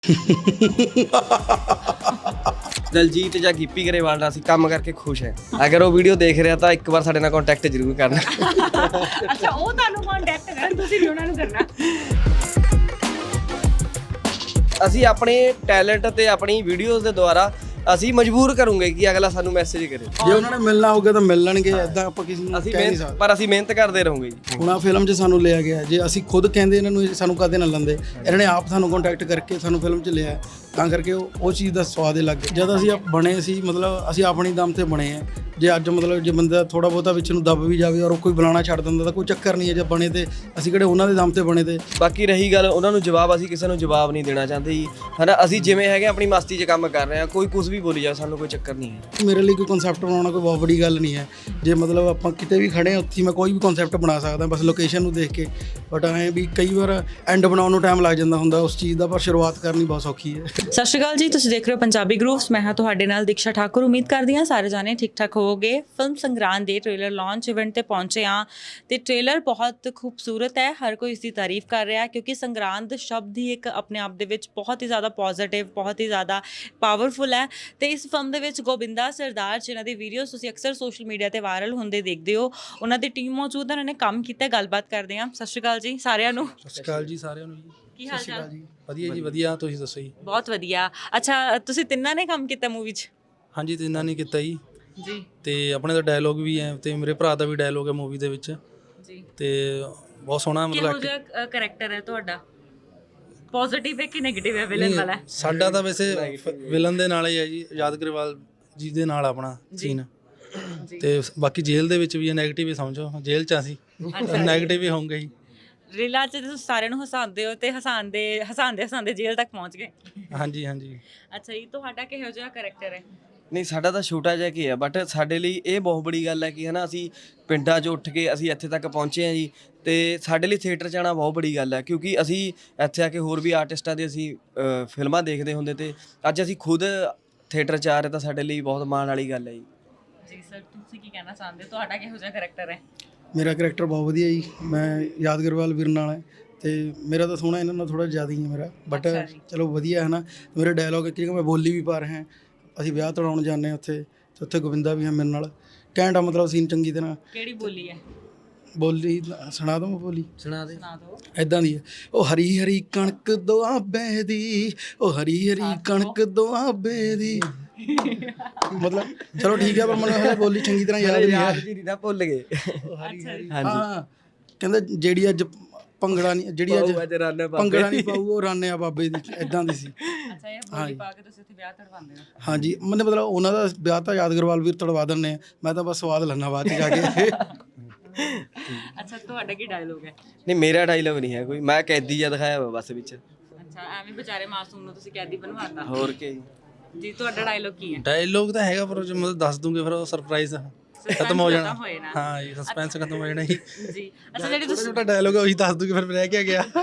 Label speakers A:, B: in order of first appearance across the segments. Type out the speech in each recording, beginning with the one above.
A: ਦਲਜੀਤ ਜਾਂ ਗਿੱਪੀ ਗਰੇਵਾਲ ਨਾਲ ਅਸੀਂ ਕੰਮ ਕਰਕੇ ਖੁਸ਼ ਹੈ। ਅਗਰ ਉਹ ਵੀਡੀਓ ਦੇਖ ਰਿਹਾ ਤਾਂ ਇੱਕ ਵਾਰ ਸਾਡੇ ਨਾਲ ਕੰਟੈਕਟ ਜ਼ਰੂਰ ਕਰਨਾ।
B: ਅੱਛਾ, ਉਹ ਤੁਹਾਨੂੰ ਕੰਟੈਕਟ ਕਰਨ, ਤੁਸੀਂ ਵੀ ਉਹਨਾਂ ਨੂੰ ਕਰਨਾ।
A: ਅਸੀਂ ਆਪਣੇ ਟੈਲੈਂਟ ਤੇ ਆਪਣੀ ਵੀਡੀਓਜ਼ ਦੇ ਦੁਆਰਾ ਅਸੀਂ ਮਜਬੂਰ ਕਰੂੰਗੇ ਕਿ ਅਗਲਾ ਸਾਨੂੰ ਮੈਸੇਜ ਕਰੇ।
C: ਜੇ ਉਹਨਾਂ ਨੇ ਮਿਲਣਾ ਹੋਊਗਾ ਤਾਂ ਮਿਲ ਲੈਣਗੇ, ਇਦਾਂ ਆਪਾਂ ਕਿਸੇ ਨੂੰ
A: ਅਸੀਂ
C: ਕਹਿ ਨਹੀਂ ਸਕਦੇ।
A: ਪਰ ਅਸੀਂ ਮਿਹਨਤ ਕਰਦੇ ਰਹੋਗੇ ਜੀ।
C: ਹੁਣ ਆ ਫਿਲਮ 'ਚ ਸਾਨੂੰ ਲਿਆ ਗਿਆ, ਜੇ ਅਸੀਂ ਖੁਦ ਕਹਿੰਦੇ ਇਹਨਾਂ ਨੂੰ ਸਾਨੂੰ ਕਦੇ ਨਾ ਲੈਂਦੇ, ਇਹਨਾਂ ਨੇ ਆਪ ਸਾਨੂੰ ਕੰਟੈਕਟ ਕਰਕੇ ਸਾਨੂੰ ਫਿਲਮ 'ਚ ਲਿਆ, ਤਾਂ ਕਰਕੇ ਉਹ ਚੀਜ਼ ਦਾ ਸਵਾਦ ਹੀ ਲੱਗ ਗਿਆ। ਜਦ ਅਸੀਂ ਬਣੇ ਸੀ, ਮਤਲਬ ਅਸੀਂ ਆਪਣੀ ਦਮ ਤੇ ਬਣੇ ਆ। ਜੇ ਅੱਜ ਮਤਲਬ ਜੇ ਬੰਦਾ ਥੋੜਾ ਬਹੁਤਾ ਵਿੱਚ ਨੂੰ ਦੱਬ ਵੀ ਜਾਵੇ ਔਰ ਕੋਈ ਬੁਲਾਣਾ ਛੱਡ ਦਿੰਦਾ ਤਾਂ ਕੋਈ ਚੱਕਰ ਨਹੀਂ ਹੈ। ਜੇ ਬਣੇ ਤੇ ਅਸੀਂ ਕਿਹੜੇ ਉਹਨਾਂ ਦੇ ਦਮ ਤੇ ਬਣੇ ਤੇ।
A: ਬਾਕੀ ਰਹੀ ਗੱਲ ਉਹਨਾਂ ਨੂੰ ਜਵਾਬ, ਅਸੀਂ ਕਿਸੇ ਨੂੰ ਜਵਾਬ ਨਹੀਂ ਦੇਣਾ ਚਾਹੁੰਦੇ ਜੀ, ਹਨਾ। ਅਸੀਂ ਜਿਵੇਂ ਹੈਗੇ ਆਪਣੀ ਮਸਤੀ 'ਚ ਕੰਮ ਕਰ ਰਹੇ ਹਾਂ, ਕੋਈ ਕੁਝ ਵੀ ਬੋਲੀ ਜਾਵੇ, ਸਾਨੂੰ ਕੋਈ ਚੱਕਰ ਨਹੀਂ ਹੈ।
C: ਮੇਰੇ ਲਈ ਕੋਈ ਕਨਸੈਪਟ ਬਣਾਉਣਾ ਕੋਈ ਬਹੁਤ ਵੱਡੀ ਗੱਲ ਨਹੀਂ ਹੈ। ਜੇ ਮਤਲਬ ਆਪਾਂ ਕਿਤੇ ਵੀ ਖੜੇ ਹਾਂ, ਉੱਥੇ ਮੈਂ ਕੋਈ ਵੀ ਕਨਸੈਪਟ ਬਣਾ ਸਕਦਾ, ਬਸ ਲੋਕੇਸ਼ਨ ਨੂੰ ਦੇਖ ਕੇ। ਬਟ ਐਂ ਵੀ ਕਈ ਵਾਰ ਐਂਡ ਬਣਾਉਣ ਨੂੰ ਟਾਈਮ ਲੱਗ ਜਾਂਦਾ ਹੁੰਦਾ ਉਸ ਚੀਜ਼ ਦਾ, ਪਰ ਸ਼ੁਰੂਆਤ ਕਰਨੀ ਬਹੁਤ ਸੌਖੀ ਹੈ।
B: ਸਤਿ ਸ਼੍ਰੀ ਅਕਾਲ ਜੀ, ਤੁਸੀਂ ਦੇਖ ਰਹੇ ਹੋ ਪੰਜਾਬੀ ਗਰੂਪਸ। ਮੈਂ ਹਾਂ ਤੁਹਾਡੇ ਨਾਲ ਦੀਕਸ਼ਾ ਠਾਕੁਰ। ਉਮੀਦ ਕਰਦੀ ਹਾਂ ਸਾਰੇ ਜਾਣੇ ਠੀਕ ਠਾਕ ਹੋਵੋਗੇ। ਫਿਲਮ ਸੰਗਰਾਂਦ ਦੇ ਟ੍ਰੇਲਰ ਲਾਂਚ ਇਵੈਂਟ ਤੇ ਪਹੁੰਚੇ ਹਾਂ ਤੇ ਟ੍ਰੇਲਰ ਬਹੁਤ ਖੂਬਸੂਰਤ ਹੈ। ਹਰ ਕੋਈ ਇਸ ਦੀ ਤਾਰੀਫ ਕਰ ਰਿਹਾ ਕਿਉਂਕਿ ਸੰਗਰਾਂਦ ਸ਼ਬਦ ਹੀ ਇੱਕ ਆਪਣੇ ਆਪ ਦੇ ਵਿੱਚ ਬਹੁਤ ਹੀ ਜ਼ਿਆਦਾ ਪੋਜ਼ਿਟਿਵ, ਬਹੁਤ ਹੀ ਜ਼ਿਆਦਾ ਪਾਵਰਫੁਲ ਹੈ। ਤੇ ਇਸ ਫਿਲਮ ਦੇ ਵਿੱਚ ਗੋਬਿੰਦਾ ਸਰਦਾਰ ਜਿਨ੍ਹਾਂ ਦੀ ਵੀਡੀਓਜ਼ ਤੁਸੀਂ ਅਕਸਰ ਸੋਸ਼ਲ ਮੀਡੀਆ ਤੇ ਵਾਇਰਲ ਹੁੰਦੇ ਦੇਖਦੇ ਹੋ, ਉਹਨਾਂ ਦੀ ਟੀਮ ਮੌਜੂਦ ਹੈ, ਉਹਨਾਂ ਨੇ ਕੰਮ ਕੀਤਾ। ਗੱਲਬਾਤ ਕਰਦੇ ਹਾਂ। ਸਤਿ ਸ਼੍ਰੀ ਅਕਾਲ ਜੀ ਸਾਰਿਆਂ ਨੂੰ।
C: ਸਤਿ ਸ਼੍ਰੀ ਅਕਾਲ ਜੀ ਸਾਰਿਆਂ ਨੂੰ ਜੀ।
B: ਕੀ ਹਾਲ ਚਾਲ?
C: ਵਧੀਆ ਜੀ, ਵਧੀਆ। ਤੁਸੀਂ ਦੱਸੋ ਜੀ?
B: ਬਹੁਤ ਵਧੀਆ। ਅੱਛਾ, ਤੁਸੀਂ ਤਿੰਨਾਂ ਨੇ ਕੰਮ ਕੀਤਾ ਮੂਵੀ 'ਚ?
C: ਹਾਂਜੀ, ਤਿੰਨਾਂ ਨੇ ਕੀਤਾ ਜੀ।
B: ਜੀ।
C: ਤੇ ਆਪਣੇ ਦਾ ਡਾਇਲੋਗ ਵੀ ਹੈ ਤੇ ਮੇਰੇ ਭਰਾ ਦਾ ਵੀ ਡਾਇਲੋਗ ਹੈ ਮੂਵੀ ਦੇ ਵਿੱਚ
B: ਜੀ।
C: ਤੇ ਬਹੁਤ ਸੋਹਣਾ
B: ਕਿਹੋ
C: ਮਤਲਬ
B: ਜਿਹਾ ਕਰੈਕਟਰ ਹੈ ਤੁਹਾਡਾ? ਪੋਜ਼ਿਟਿਵ ਹੈ ਕਿ ਨੈਗੇਟਿਵ ਹੈ? ਵਿਲਨ ਵਾਲਾ ਹੈ?
C: ਸਾਡਾ ਤਾਂ ਵੈਸੇ ਵਿਲਨ ਦੇ ਨਾਲ ਹੀ ਹੈ ਜੀ, ਯਾਦ ਗਰੇਵਾਲ ਜੀ ਦੇ ਨਾਲ ਆਪਣਾ ਸੀਨ। ਤੇ ਬਾਕੀ ਜੇਲ੍ਹ ਦੇ ਵਿੱਚ ਵੀ ਹੈ, ਨੈਗੇਟਿਵ ਹੀ ਸਮਝੋ। ਜੇਲ੍ਹ 'ਚ ਅਸੀਂ ਨੈਗੇਟਿਵ ਹੀ ਹੋਊਗਾ ਜੀ।
B: ਰੀਲਾਂ 'ਚ ਤੁਸੀਂ ਸਾਰਿਆਂ ਨੂੰ ਹਸਾਉਂਦੇ ਹੋ ਤੇ ਹਸਾਉਂਦੇ ਜੇਲ੍ਹ ਤੱਕ ਪਹੁੰਚ ਗਏ।
C: ਹਾਂਜੀ ਹਾਂਜੀ।
B: ਅੱਛਾ ਜੀ, ਤੁਹਾਡਾ ਕਿਹੋ ਜਿਹਾ ਕਰੈਕਟਰ ਹੈ?
A: ਨਹੀਂ, ਸਾਡਾ ਤਾਂ ਛੋਟਾ ਜਿਹਾ ਕੀ ਹੈ, ਬਟ ਸਾਡੇ ਲਈ ਇਹ ਬਹੁਤ ਬੜੀ ਗੱਲ ਹੈ ਕਿ ਹਨਾ ਅਸੀਂ ਪਿੰਡਾਂ 'ਚ ਉੱਠ ਕੇ ਅਸੀਂ ਇੱਥੇ ਤੱਕ ਪਹੁੰਚੇ ਹਾਂ ਜੀ। ਤੇ ਸਾਡੇ ਲਈ ਥੀਏਟਰ 'ਚ ਆਉਣਾ ਬਹੁਤ ਬੜੀ ਗੱਲ ਹੈ ਕਿਉਂਕਿ ਅਸੀਂ ਇੱਥੇ ਆ ਕੇ ਹੋਰ ਵੀ ਆਰਟਿਸਟਾਂ ਦੀ ਅਸੀਂ ਫਿਲਮਾਂ ਦੇਖਦੇ ਹੁੰਦੇ ਤੇ ਅੱਜ ਅਸੀਂ ਖੁਦ ਥੀਏਟਰ 'ਚ ਆ ਰਹੇ ਤਾਂ ਸਾਡੇ ਲਈ ਬਹੁਤ ਮਾਣ ਵਾਲੀ ਗੱਲ ਹੈ ਜੀ।
B: ਜੀ ਸਰ, ਤੁਸੀਂ ਕੀ ਕਹਿਣਾ ਚਾਹੁੰਦੇ ਹੋ? ਤੁਹਾਡਾ ਕਿਹੋ ਜਿਹਾ ਕਰੈਕਟਰ ਹੈ?
C: ਮੇਰਾ ਕਰੈਕਟਰ ਬਹੁਤ ਵਧੀਆ ਜੀ। ਮੈਂ ਯਾਦ ਗਰੇਵਾਲ ਵੀਰ ਨਾਲ ਹੈ ਤੇ ਮੇਰਾ ਤਾਂ ਸੋਹਣਾ ਇਹਨਾਂ ਨਾਲ ਥੋੜ੍ਹਾ ਜ਼ਿਆਦਾ ਹੀ ਹੈ ਮੇਰਾ, ਬਟ ਚਲੋ ਵਧੀਆ ਹੈ ਨਾ। ਮੇਰੇ ਡਾਇਲੋਗ ਕਿਉਂਕਿ ਮੈਂ ਬੋਲੀ ਵੀ ਪਾ ਰਿਹਾ। ਅਸੀਂ ਵਿਆਹ ਤੜਾਉਣ ਜਾਂਦੇ ਹਾਂ ਉੱਥੇ, ਤੇ ਉੱਥੇ ਗੋਬਿੰਦਾ ਵੀ ਹੈ ਮੇਰੇ ਨਾਲ। ਘੈਂਟ ਆ ਮਤਲਬ ਸੀਨ ਚੰਗੀ ਤਰ੍ਹਾਂ।
B: ਕਿਹੜੀ ਬੋਲੀ ਹੈ?
C: ਬੋਲੀ ਸੁਣਾ ਦਵਾਂ? ਬੋਲੀ
A: ਸੁਣਾ ਦੇ।
B: ਸੁਣਾ ਦਿਓ।
C: ਇੱਦਾਂ ਦੀ ਹੈ। ਉਹ ਹਰੀ ਹਰੀ ਕਣਕ ਦੁਆਬੇ ਦੀ, ਉਹ ਹਰੀ ਹਰੀ ਕਣਕ ਦੁਆਬੇ ਦੀ। ਮਤਲਬ ਚਲੋ ਠੀਕ ਹੈ, ਪਰ ਮੈਨੂੰ ਹਲੇ ਬੋਲੀ ਚੰਗੀ ਤਰ੍ਹਾਂ ਯਾਦ ਨਹੀਂ ਹੈ।
A: ਜੀ ਨਾ ਭੁੱਲ ਗਏ।
C: ਹਾਂ, ਕਹਿੰਦਾ ਜਿਹੜੀ ਅੱਜ ਭੰਗੜਾ ਨਹੀਂ, ਜਿਹੜੀ ਅੱਜ ਭੰਗੜਾ ਨਹੀਂ ਪਾਊ ਉਹ ਰਾਨਿਆ ਬਾਬੇ ਦੀ, ਇਦਾਂ ਦੀ ਸੀ।
B: ਅੱਛਾ, ਇਹ ਬੋਲੀ ਪਾ ਕੇ ਤੁਸੀਂ ਉੱਥੇ ਵਿਆਹ ਤੜਵਾਉਂਦੇ ਹੋ?
C: ਹਾਂਜੀ, ਮੈਨੂੰ ਮਤਲਬ ਉਹਨਾਂ ਦਾ ਵਿਆਹ ਤਾਂ ਯਾਦ ਗਰੇਵਾਲ ਵੀਰ ਤੜਵਾ ਦਿੰਦੇ ਆ, ਮੈਂ ਤਾਂ ਬਸ ਸਵਾਦ ਲੈਣਾ ਬਾਅਦ 'ਚ ਜਾ ਕੇ।
B: ਅੱਛਾ, ਤੁਹਾਡਾ ਕੀ ਡਾਇਲੋਗ ਹੈ?
A: ਨਹੀਂ, ਮੇਰਾ ਡਾਇਲੋਗ ਨਹੀਂ ਹੈ ਕੋਈ, ਮੈਂ ਕੈਦੀ ਜਿਹਾ ਦਿਖਾਇਆ ਵਾ ਬਸ ਵਿੱਚ।
B: ਅੱਛਾ, ਐਵੇਂ ਵਿਚਾਰੇ ਮਾਸੂਮ ਨੂੰ ਤੁਸੀਂ ਕੈਦੀ ਬਣਵਾਤਾ।
A: ਹੋਰ ਕੀ
B: ਜੀ, ਤੁਹਾਡਾ ਡਾਇਲੋਗ ਕੀ ਹੈ?
C: ਡਾਇਲੋਗ ਤਾਂ ਹੈਗਾ, ਪਰ ਜੇ ਮਤਲਬ ਦੱਸ ਦੂੰਗੇ ਫਿਰ ਉਹ ਸਰਪ੍ਰਾਈਜ਼ ਖਤਮ ਹੋ ਜਾਣਾ।
B: ਹੋਏ ਨਾ।
C: ਹਾਂ ਜੀ, ਸਸਪੈਂਸ ਖਤਮ ਹੋ ਜਾਣਾ ਜੀ।
B: ਜੀ। ਅੱਛਾ, ਜਿਹੜੀ ਤੁਸੀਂ
C: ਛੋਟਾ ਡਾਇਲੋਗ ਹੈ ਉਹੀ ਦੱਸ ਦੂੰਗੇ, ਫਿਰ ਰਹਿ ਕੇ ਗਿਆ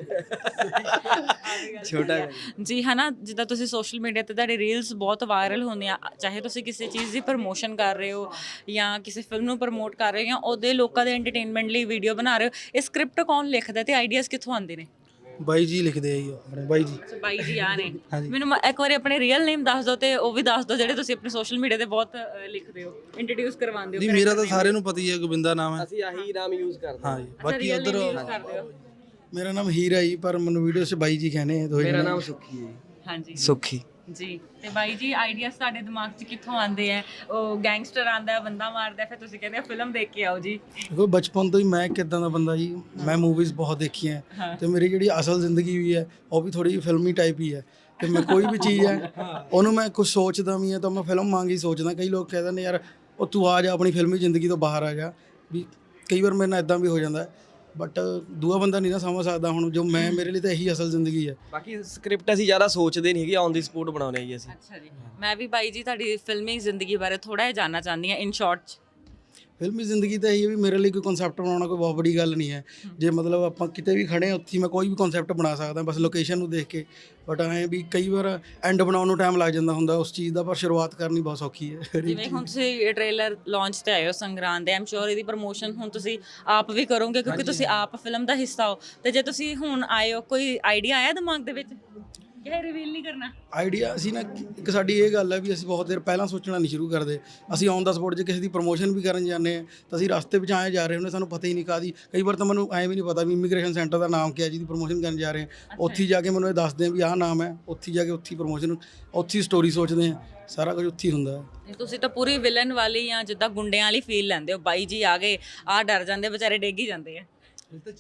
A: ਛੋਟਾ।
B: ਜੀ ਹਨਾ, ਜਿੱਦਾਂ ਤੁਸੀਂ ਸੋਸ਼ਲ ਮੀਡੀਆ ਤੇ ਤੁਹਾਡੇ ਰੀਲਸ ਬਹੁਤ ਵਾਇਰਲ ਹੁੰਦੀਆਂ, ਚਾਹੇ ਤੁਸੀਂ ਕਿਸੇ ਚੀਜ਼ ਦੀ ਪ੍ਰਮੋਸ਼ਨ ਕਰ ਰਹੇ ਹੋ ਜਾਂ ਕਿਸੇ ਫਿਲਮ ਨੂੰ ਪ੍ਰਮੋਟ ਕਰ ਰਹੇ ਹੋ ਜਾਂ ਉਹਦੇ ਲੋਕਾਂ ਦੇ ਐਂਟਰਟੇਨਮੈਂਟ ਲਈ ਵੀਡੀਓ ਬਣਾ ਰਹੇ ਹੋ, ਇਹ ਸਕ੍ਰਿਪਟ ਕੌਣ ਲਿਖਦਾ ਤੇ ਆਈਡੀਆਜ਼ ਕਿੱਥੋਂ ਆਉਂਦੇ ਨੇ?
C: ਬਾਈ ਜੀ ਲਿਖਦੇ ਆ ਜੀ, ਆਪਣੇ ਬਾਈ ਜੀ।
B: ਅੱਛਾ, ਬਾਈ ਜੀ ਆ ਨੇ। ਮੈਨੂੰ ਇੱਕ ਵਾਰੀ ਆਪਣੇ ਰੀਅਲ ਨੇਮ ਦੱਸ ਦਿਓ ਤੇ ਉਹ ਵੀ ਦੱਸ ਦਿਓ ਜਿਹੜੇ ਤੁਸੀਂ ਆਪਣੇ ਸੋਸ਼ਲ ਮੀਡੀਆ ਤੇ ਬਹੁਤ ਲਿਖਦੇ ਹੋ, ਇੰਟਰੋਡਿਊਸ ਕਰਵਾਉਂਦੇ ਹੋ।
C: ਜੀ ਮੇਰਾ ਤਾਂ ਸਾਰਿਆਂ ਨੂੰ ਪਤਾ ਹੀ ਹੈ, ਗੋਬਿੰਦਾ ਨਾਮ ਹੈ।
A: ਅਸੀਂ ਆਹੀ ਨਾਮ ਯੂਜ਼ ਕਰਦੇ
C: ਹਾਂ ਜੀ। ਬਾਕੀ ਉਧਰ
B: ਕਰਦੇ ਹੋ?
C: ਮੇਰਾ ਨਾਮ ਹੀਰਾ ਜੀ, ਪਰ ਮੈਨੂੰ ਵੀਡੀਓ 'ਚ ਬਾਈ ਜੀ ਕਹਿੰਦੇ ਆ।
A: ਮੇਰਾ ਨਾਮ ਸੁੱਖੀ ਹੈ।
B: ਹਾਂਜੀ,
A: ਸੁੱਖੀ
B: ਜੀ। ਤੇ ਬਾਈ ਜੀ, ਆਈਡੀਆਜ਼ ਤੁਹਾਡੇ ਦਿਮਾਗ 'ਚ ਕਿੱਥੋਂ ਆਉਂਦੇ ਆ? ਉਹ ਗੈਂਗਸਟਰ ਆਂਦਾ, ਬੰਦਾ ਮਾਰਦਾ, ਫਿਰ ਤੁਸੀਂ ਕਹਿੰਦੇ ਫਿਲਮ ਦੇਖ ਕੇ ਆਓ ਜੀ।
C: ਦੇਖੋ, ਬਚਪਨ ਤੋਂ ਹੀ ਮੈਂ ਕਿੱਦਾਂ ਦਾ ਬੰਦਾ ਜੀ, ਮੈਂ ਮੂਵੀਜ਼ ਬਹੁਤ ਦੇਖੀਆਂ ਤੇ ਮੇਰੀ ਜਿਹੜੀ ਅਸਲ ਜ਼ਿੰਦਗੀ ਵੀ ਹੈ ਉਹ ਵੀ ਥੋੜੀ ਫਿਲਮੀ ਟਾਈਪ ਹੀ ਹੈ। ਤੇ ਮੈਂ ਕੋਈ ਵੀ ਚੀਜ਼ ਹੈ ਉਹਨੂੰ ਮੈਂ ਕੁਝ ਸੋਚਦਾ ਵੀ ਹਾਂ ਤਾਂ ਮੈਂ ਫਿਲਮ ਵਾਂਗ ਹੀ ਸੋਚਦਾ। ਕਈ ਲੋਕ ਕਹਿੰਦੇ ਨੇ ਯਾਰ ਉਹ ਤੂੰ ਆ ਜਾ ਆਪਣੀ ਫਿਲਮੀ ਜ਼ਿੰਦਗੀ ਤੋਂ ਬਾਹਰ ਆ ਜਾ, ਵੀ ਕਈ ਵਾਰ ਮੇਰੇ ਨਾਲ ਇਦਾਂ ਵੀ ਹੋ ਜਾਂਦਾ, ਬਟ ਦੂਆ ਬੰਦਾ ਨਹੀਂ ਨਾ ਸਮਝ ਸਕਦਾ। ਹੁਣ ਜੋ ਮੈਂ, ਮੇਰੇ ਲਈ ਤਾਂ ਇਹੀ ਅਸਲ ਜ਼ਿੰਦਗੀ ਹੈ।
A: ਬਾਕੀ ਸਕ੍ਰਿਪਟ ਅਸੀਂ ਜ਼ਿਆਦਾ ਸੋਚਦੇ ਨਹੀਂ ਹੈਗੇ, ਔਨ ਦੀ ਸਪੋਟ ਬਣਾਉਂਦੇ ਜੀ ਅਸੀਂ।
B: ਅੱਛਾ ਜੀ। ਮੈਂ ਵੀ ਬਾਈ ਜੀ ਤੁਹਾਡੀ ਫਿਲਮੀ ਜ਼ਿੰਦਗੀ ਬਾਰੇ ਥੋੜਾ ਜਿਹਾ ਜਾਣਨਾ ਚਾਹੁੰਦੀ ਹਾਂ, ਇਨ ਸ਼ਾਰਟ।
C: ਫਿਲਮੀ ਜ਼ਿੰਦਗੀ ਤਾਂ ਇਹੀ ਹੈ ਵੀ ਮੇਰੇ ਲਈ ਕੋਈ ਕਨਸੈਪਟ ਬਣਾਉਣਾ ਕੋਈ ਬਹੁਤ ਵੱਡੀ ਗੱਲ ਨਹੀਂ ਹੈ। ਜੇ ਮਤਲਬ ਆਪਾਂ ਕਿਤੇ ਵੀ ਖੜੇ ਹਾਂ ਉੱਥੇ ਮੈਂ ਕੋਈ ਵੀ ਕਨਸੈਪਟ ਬਣਾ ਸਕਦਾ, ਬਸ ਲੋਕੇਸ਼ਨ ਨੂੰ ਦੇਖ ਕੇ। ਬਟ ਐਂ ਵੀ ਕਈ ਵਾਰ ਐਂਡ ਬਣਾਉਣ ਨੂੰ ਟਾਈਮ ਲੱਗ ਜਾਂਦਾ ਹੁੰਦਾ ਉਸ ਚੀਜ਼ ਦਾ, ਪਰ ਸ਼ੁਰੂਆਤ ਕਰਨੀ ਬਹੁਤ ਸੌਖੀ ਹੈ।
B: ਜਿਵੇਂ ਹੁਣ ਤੁਸੀਂ ਟ੍ਰੇਲਰ ਲਾਂਚ ਤੇ ਆਏ ਹੋ ਸੰਗਰਾਂਦ ਦੇ, ਆਮ ਸ਼ੋਰ ਇਹਦੀ ਪ੍ਰਮੋਸ਼ਨ ਹੁਣ ਤੁਸੀਂ ਆਪ ਵੀ ਕਰੋਗੇ ਕਿਉਂਕਿ ਤੁਸੀਂ ਆਪ ਫਿਲਮ ਦਾ ਹਿੱਸਾ ਹੋ। ਤੇ ਜੇ ਤੁਸੀਂ ਹੁਣ ਆਏ ਹੋ, ਕੋਈ ਆਈਡੀਆ ਆਇਆ ਦਿਮਾਗ ਦੇ ਵਿੱਚ? ਕਿ ਰਿਵੀਲ ਨਹੀਂ ਕਰਨਾ?
C: ਆਈਡੀਆ ਅਸੀਂ ਨਾ, ਇੱਕ ਸਾਡੀ ਇਹ ਗੱਲ ਹੈ ਵੀ ਅਸੀਂ ਬਹੁਤ ਦੇਰ ਪਹਿਲਾਂ ਸੋਚਣਾ ਨਹੀਂ ਸ਼ੁਰੂ ਕਰਦੇ। ਅਸੀਂ ਔਨ ਦਾ ਸਪੋਟ ਜੇ ਕਿਸੇ ਦੀ ਪ੍ਰਮੋਸ਼ਨ ਵੀ ਕਰਨ ਜਾਂਦੇ ਹਾਂ ਤਾਂ ਅਸੀਂ ਰਸਤੇ ਵਿੱਚ ਆਏ ਜਾ ਰਹੇ ਹੁੰਦੇ, ਸਾਨੂੰ ਪਤਾ ਹੀ ਨਹੀਂ ਕਾਹਦੀ। ਕਈ ਵਾਰ ਤਾਂ ਮੈਨੂੰ ਐਂ ਵੀ ਨਹੀਂ ਪਤਾ ਵੀ ਇਮੀਗ੍ਰੇਸ਼ਨ ਸੈਂਟਰ ਦਾ ਨਾਮ ਕੀ ਹੈ ਜਿਹਦੀ ਪ੍ਰਮੋਸ਼ਨ ਕਰਨ ਜਾ ਰਹੇ ਹਾਂ। ਉੱਥੇ ਹੀ ਜਾ ਕੇ ਮੈਨੂੰ ਇਹ ਦੱਸਦੇ ਆ ਵੀ ਆਹ ਨਾਮ ਹੈ, ਉੱਥੇ ਜਾ ਕੇ ਉੱਥੇ ਪ੍ਰਮੋਸ਼ਨ, ਉੱਥੇ ਸਟੋਰੀ ਸੋਚਦੇ ਹਾਂ, ਸਾਰਾ ਕੁਝ ਉੱਥੇ ਹੀ ਹੁੰਦਾ ਹੈ।
B: ਤੁਸੀਂ ਤਾਂ ਪੂਰੀ ਵਿਲਨ ਵਾਲੀ ਜਾਂ ਜਿੱਦਾਂ ਗੁੰਡਿਆਂ ਵਾਲੀ ਫੀਲ ਲੈਂਦੇ ਹੋ, ਬਾਈ ਜੀ ਆ ਗਏ ਆ ਡਰ ਜਾਂਦੇ ਵਿਚਾਰੇ, ਡਿੱਗ ਹੀ ਜਾਂਦੇ ਆ।
D: ਇਹ ਤਾਂ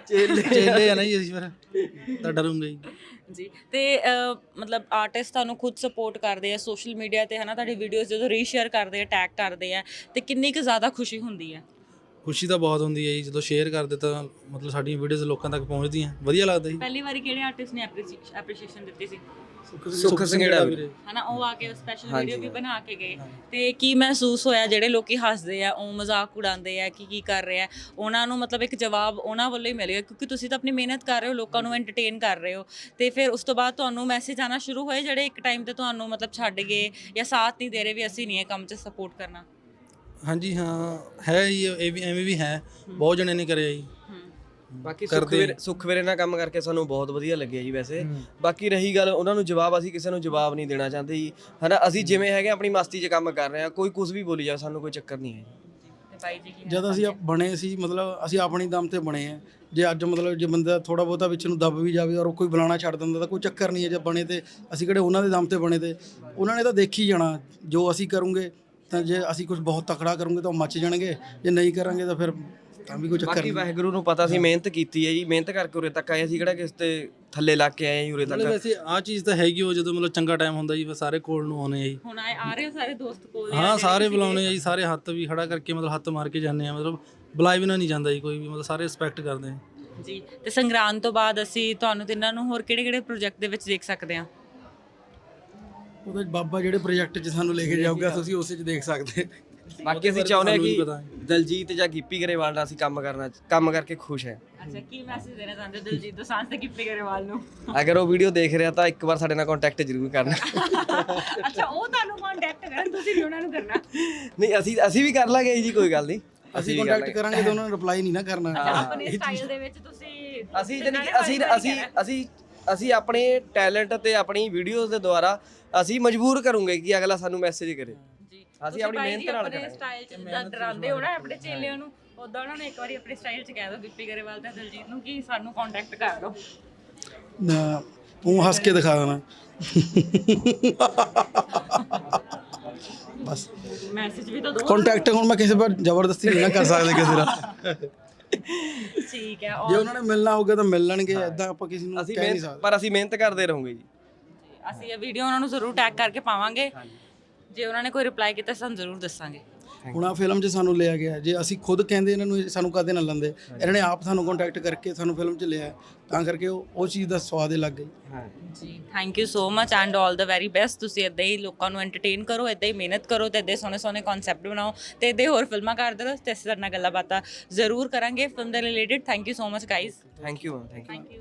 D: ਚੇਲੇ ਆ ਨਾ ਜੀ, ਅਸੀਂ ਫਿਰ ਤਾਂ ਡਰੂੰਗੇ ਜੀ।
B: ਜੀ ਤੇ ਮਤਲਬ ਆਰਟਿਸਟ ਤੁਹਾਨੂੰ ਖੁਦ ਸਪੋਰਟ ਕਰਦੇ ਆ ਸੋਸ਼ਲ ਮੀਡੀਆ ਤੇ, ਹੈ ਨਾ, ਤੁਹਾਡੀ ਵੀਡੀਓਜ਼ ਜਦੋਂ ਰੀਸ਼ੇਅਰ ਕਰਦੇ ਆ, ਟੈਗ ਕਰਦੇ ਆ, ਤੇ ਕਿੰਨੀ ਕੁ ਜ਼ਿਆਦਾ ਖੁਸ਼ੀ ਹੁੰਦੀ ਹੈ?
D: ਖੁਸ਼ੀ ਤਾਂ ਬਹੁਤ ਹੁੰਦੀ ਹੈ ਜੀ, ਜਦੋਂ ਸ਼ੇਅਰ ਕਰਦੇ ਤਾਂ ਮਤਲਬ ਸਾਡੀਆਂ ਵੀਡੀਓਜ਼ ਲੋਕਾਂ ਤੱਕ ਪਹੁੰਚਦੀਆਂ, ਵਧੀਆ ਲੱਗਦਾ ਜੀ।
B: ਪਹਿਲੀ ਵਾਰੀ ਕਿਹੜੇ ਆਰਟਿਸਟ ਨੇ ਐਪਰੀਸ਼ੀਏਸ਼ਨ ਦਿੱਤੀ ਸੀ?
A: ਸੁੱਖ ਸੰਘੇੜਾ ਵੀਰੇ,
B: ਹਨਾ, ਉਹ ਆ ਕੇ ਸਪੈਸ਼ਲ ਵੀਡੀਓ ਵੀ ਬਣਾ ਕੇ ਗਏ। ਤੇ ਕੀ ਮਹਿਸੂਸ ਹੋਇਆ? ਜਿਹੜੇ ਲੋਕੀ ਹੱਸਦੇ ਆ, ਉਹ ਮਜ਼ਾਕ ਉਡਾਉਂਦੇ ਆ ਕਿ ਕੀ ਕਰ ਰਹੇ ਆ, ਉਹਨਾਂ ਨੂੰ ਮਤਲਬ ਇੱਕ ਜਵਾਬ ਉਹਨਾਂ ਵੱਲੋਂ ਹੀ ਮਿਲੇਗਾ, ਕਿਉਂਕਿ ਤੁਸੀਂ ਤਾਂ ਆਪਣੀ ਮਿਹਨਤ ਕਰ ਰਹੇ ਹੋ, ਲੋਕਾਂ ਨੂੰ ਐਂਟਰਟੇਨ ਕਰ ਰਹੇ ਹੋ। ਤੇ ਫਿਰ ਉਸ ਤੋਂ ਬਾਅਦ ਤੁਹਾਨੂੰ ਮੈਸੇਜ ਆਉਣਾ ਸ਼ੁਰੂ ਹੋਏ ਜਿਹੜੇ ਇੱਕ ਟਾਈਮ ਤੇ ਤੁਹਾਨੂੰ ਮਤਲਬ ਛੱਡ ਗਏ ਜਾਂ ਸਾਥ ਨਹੀਂ ਦੇ ਰਹੇ ਵੀ ਅਸੀਂ ਨਹੀਂ ਇਹ ਕੰਮ 'ਚ ਸਪੋਰਟ ਕਰਨਾ?
D: ਹਾਂਜੀ ਹਾਂ, ਹੈ ਜੀ, ਇਹ ਵੀ ਐਵੇਂ ਵੀ ਹੈ, ਬਹੁਤ ਜਣੇ ਨੇ ਕਰਿਆ ਜੀ।
A: ਬਾਕੀ ਸੁੱਖ ਵੀਰੇ ਨਾਲ ਕੰਮ ਕਰਕੇ ਸਾਨੂੰ ਬਹੁਤ ਵਧੀਆ ਲੱਗਿਆ ਜੀ। ਵੈਸੇ ਬਾਕੀ ਰਹੀ ਗੱਲ ਉਹਨਾਂ ਨੂੰ ਜਵਾਬ, ਅਸੀਂ ਕਿਸੇ ਨੂੰ ਜਵਾਬ ਨਹੀਂ ਦੇਣਾ ਚਾਹੁੰਦੇ ਜੀ, ਹਨਾ। ਅਸੀਂ ਜਿਵੇਂ ਹੈਗੇ ਆਪਣੀ ਮਸਤੀ 'ਚ ਕੰਮ ਕਰ ਰਹੇ ਹਾਂ, ਕੋਈ ਕੁਝ ਵੀ ਬੋਲੀ ਜਾ, ਸਾਨੂੰ ਕੋਈ ਚੱਕਰ ਨਹੀਂ ਹੈ ਜੀ।
C: ਜਦ ਅਸੀਂ ਬਣੇ ਸੀ, ਮਤਲਬ ਅਸੀਂ ਆਪਣੀ ਦਮ ਤੇ ਬਣੇ ਆ। ਜੇ ਅੱਜ ਮਤਲਬ ਜੇ ਬੰਦਾ ਥੋੜਾ ਬਹੁਤਾ ਵਿੱਚ ਨੂੰ ਦੱਬ ਵੀ ਜਾਵੇ ਔਰ ਕੋਈ ਬੁਲਾਣਾ ਛੱਡ ਦਿੰਦਾ ਤਾਂ ਕੋਈ ਚੱਕਰ ਨਹੀਂ ਹੈ। ਜੇ ਬਣੇ ਤੇ ਅਸੀਂ ਕਿਹੜੇ ਉਹਨਾਂ ਦੇ ਦਮ ਤੇ ਬਣੇ, ਤੇ ਉਹਨਾਂ ਨੇ ਤਾਂ ਦੇਖੀ ਜਾਣਾ ਜੋ ਅਸੀਂ ਕਰੂੰਗੇ। ਤਾਂ ਜੇ ਅਸੀਂ ਕੁਝ ਬਹੁਤ ਤਕੜਾ ਕਰੂੰਗੇ ਤਾਂ ਉਹ ਮੱਚ ਜਾਣਗੇ, ਜੇ ਨਹੀਂ ਕਰਾਂਗੇ ਤਾਂ ਫਿਰ ਤਾਂ ਵੀ ਕੋਈ ਚੱਕਰ
A: ਬਾਕੀ
C: ਨਹੀਂ।
A: ਵਾਹਿਗੁਰੂ ਨੂੰ ਪਤਾ ਸੀ, ਮਿਹਨਤ ਕੀਤੀ ਹੈ ਜੀ, ਮਿਹਨਤ ਕਰਕੇ ਉਰੇ ਤੱਕ ਆਏ। ਅਸੀਂ ਕਿਹੜਾ ਕਿਸੇ ਤੇ ਥੱਲੇ ਲੱਗ ਕੇ ਆਏ ਜੀ ਉਰੇ
D: ਮਤਲਬ
A: ਤੱਕ।
D: ਵੈਸੇ ਆਹ ਚੀਜ਼ ਤਾਂ ਹੈਗੀ, ਉਹ ਜਦੋਂ ਮਤਲਬ ਚੰਗਾ ਟਾਈਮ ਹੁੰਦਾ ਜੀ, ਫਿਰ ਸਾਰੇ ਕੋਲ ਨੂੰ ਆਉਣੇ ਆ ਜੀ।
B: ਹੁਣ ਆ ਰਹੇ ਹੋ ਸਾਰੇ ਦੋਸਤ ਕੋਲ?
D: ਹਾਂ, ਸਾਰੇ ਬੁਲਾਉਣੇ ਆ ਜੀ, ਸਾਰੇ ਹੱਥ ਵੀ ਖੜਾ ਕਰਕੇ ਮਤਲਬ ਹੱਥ ਮਾਰ ਕੇ ਜਾਂਦੇ ਆ, ਮਤਲਬ ਬੁਲਾਏ ਬਿਨਾਂ ਨਹੀਂ ਜਾਂਦਾ ਜੀ ਕੋਈ ਵੀ, ਮਤਲਬ ਸਾਰੇ ਰਿਸਪੈਕਟ ਕਰਦੇ ਆ
B: ਜੀ। ਤੇ ਸੰਗਰਾਂਦ ਤੋਂ ਬਾਅਦ ਅਸੀਂ ਤੁਹਾਨੂੰ ਤਿੰਨਾਂ ਨੂੰ ਹੋਰ ਕਿਹੜੇ ਪ੍ਰੋਜੈਕਟ ਦੇ ਵਿੱਚ ਦੇਖ ਸਕਦੇ ਹਾਂ?
C: ਉਹਦੇ ਬਾਬਾ ਜਿਹੜੇ ਪ੍ਰੋਜੈਕਟ 'ਚ ਸਾਨੂੰ ਲੈ ਕੇ ਜਾਊਗਾ ਤੁਸੀਂ ਉਸੇ 'ਚ ਦੇਖ ਸਕਦੇ।
A: ਬਾਕੀ ਅਸੀਂ ਚਾਹੁੰਦੇ ਹਾਂ ਕਿ ਦਲਜੀਤ ਜਾਂ ਗਿੱਪੀ ਗਰੇਵਾਲ ਨਾਲ ਅਸੀਂ ਕੰਮ ਕਰਕੇ ਖੁਸ਼ ਹੈ।
B: ਅੱਛਾ, ਕੀ ਮੈਸੇਜ ਦੇਣਾ ਚਾਹੁੰਦੇ ਹੋ ਦਿਲਜੀਤ ਦੋਸਾਂਝ ਤੇ ਗਿੱਪੀ ਗਰੇਵਾਲ ਨੂੰ?
A: ਅਗਰ ਉਹ ਵੀਡੀਓ ਦੇਖ ਰਿਹਾ ਤਾਂ ਇੱਕ ਵਾਰ ਸਾਡੇ ਨਾਲ ਕੰਟੈਕਟ ਜ਼ਰੂਰ ਕਰਨਾ।
B: ਅੱਛਾ, ਉਹ ਤੁਹਾਨੂੰ ਕੰਟੈਕਟ ਕਰਨ, ਤੁਸੀਂ ਨਹੀਂ ਉਹਨਾਂ ਨੂੰ ਕਰਨਾ?
A: ਨਹੀਂ, ਅਸੀਂ ਵੀ ਕਰ ਲਾਂਗੇ ਜੀ, ਕੋਈ ਗੱਲ ਨਹੀਂ।
C: ਅਸੀਂ ਕੰਟੈਕਟ ਕਰਾਂਗੇ ਤਾਂ ਉਹਨਾਂ ਨੇ ਰਿਪਲਾਈ ਨਹੀਂ ਨਾ ਕਰਨਾ।
B: ਆਪਣੇ ਸਟਾਈਲ ਦੇ ਵਿੱਚ ਤੁਸੀਂ
A: ਅਸੀਂ ਆਪਣੇ ਟੈਲੈਂਟ ਤੇ ਆਪਣੀ ਵੀਡੀਓਜ਼ ਦੇ ਦੁਆਰਾ ਅਸੀਂ ਮਜਬੂਰ ਕਰੂੰਗੇ ਕਿ ਅਗਲਾ ਸਾਨੂੰ ਮੈਸੇਜ ਕਰੇ।
B: ਜੀ,
A: ਅਸੀਂ ਆਪਣੀ ਮਿਹਨਤ ਨਾਲ
B: ਆਪਣੇ ਸਟਾਈਲ 'ਚ ਜਿੱਦਾਂ ਡਰਾਉਂਦੇ ਹੋ ਨਾ ਆਪਣੇ ਚੇਲਿਆਂ ਨੂੰ, ਉਦਾਂ ਉਹਨਾਂ ਨੂੰ ਇੱਕ ਵਾਰੀ ਆਪਣੇ ਸਟਾਈਲ 'ਚ ਕਹਿ ਦਿਓ ਗਿੱਪੀ ਗਰੇਵਾਲ ਤੇ ਦਿਲਜੀਤ ਨੂੰ ਕਿ ਸਾਨੂੰ ਕੰਟੈਕਟ ਕਰ ਦਿਓ।
C: ਨਾ, ਉਹ ਹੱਸ ਕੇ ਦਿਖਾ ਦੇਣਾ ਬਸ।
B: ਮੈਸੇਜ ਵੀ ਤਾਂ ਦਿਓ।
C: ਕੰਟੈਕਟ ਹੁਣ ਮੈਂ ਕਿਸੇ ਪਰ ਜ਼ਬਰਦਸਤੀ ਨਹੀਂ ਨਾ ਕਰ ਸਕਦੇ ਕਿਸੇ ਦਾ।
B: ਠੀਕ ਹੈ।
C: ਜੇ ਉਹਨਾਂ ਨੇ ਮਿਲਣਾ ਹੋਊਗਾ ਤਾਂ ਮਿਲ ਲੈਣਗੇ, ਐਦਾਂ ਆਪਾਂ ਕਿਸੇ ਨੂੰ ਕਹਿ ਨਹੀਂ ਸਕਦੇ।
A: ਪਰ ਅਸੀਂ ਮਿਹਨਤ ਕਰਦੇ ਰਹੋਗੇ ਜੀ।
B: ਅਸੀਂ ਇਹ ਵੀਡੀਓ ਉਹਨਾਂ ਨੂੰ ਜ਼ਰੂਰ ਟੈਗ ਕਰਕੇ ਪਾਵਾਂਗੇ, ਜੇ ਉਹਨਾਂ ਨੇ ਕੋਈ ਰਿਪਲਾਈ ਕੀਤਾ ਸਾਨੂੰ ਜ਼ਰੂਰ ਦੱਸਾਂਗੇ।
C: ਹੁਣ ਆ ਫਿਲਮ 'ਚ ਸਾਨੂੰ ਲਿਆ ਗਿਆ, ਜੇ ਅਸੀਂ ਖੁਦ ਕਹਿੰਦੇ ਇਹਨਾਂ ਨੂੰ ਸਾਨੂੰ ਕਦੇ ਨਾ ਲੈਂਦੇ, ਇਹਨਾਂ ਨੇ ਆਪ ਸਾਨੂੰ ਕੰਟੈਕਟ ਕਰਕੇ ਸਾਨੂੰ ਫਿਲਮ 'ਚ ਲਿਆ, ਤਾਂ ਕਰਕੇ ਉਹ ਚੀਜ਼ ਦਾ ਸਵਾਦ ਹੀ ਲੱਗ ਗਈ।
B: ਜੀ, thank you so much and all the very best. ਤੁਸੀਂ ਇੱਦਾਂ ਹੀ ਲੋਕਾਂ ਨੂੰ ਐਂਟਰਟੇਨ ਕਰੋ, ਇੱਦਾਂ ਹੀ ਮਿਹਨਤ ਕਰੋ, ਤੇ ਇੱਦਾਂ ਸੋਹਣੇ ਸੋਹਣੇ ਕਨਸੈਪਟ ਬਣਾਓ, ਤੇ ਇੱਦਾਂ ਹੋਰ ਫਿਲਮਾਂ ਕਰਦੇ ਰਹੋ, ਤੇ ਅਸੀਂ ਤੁਹਾਡੇ ਨਾਲ ਗੱਲਾਂ ਬਾਤਾਂ ਜ਼ਰੂਰ ਕਰਾਂਗੇ ਫਿਲਮ ਦੇ related. Thank you so much guys.
A: Thank you ma'am, thank you.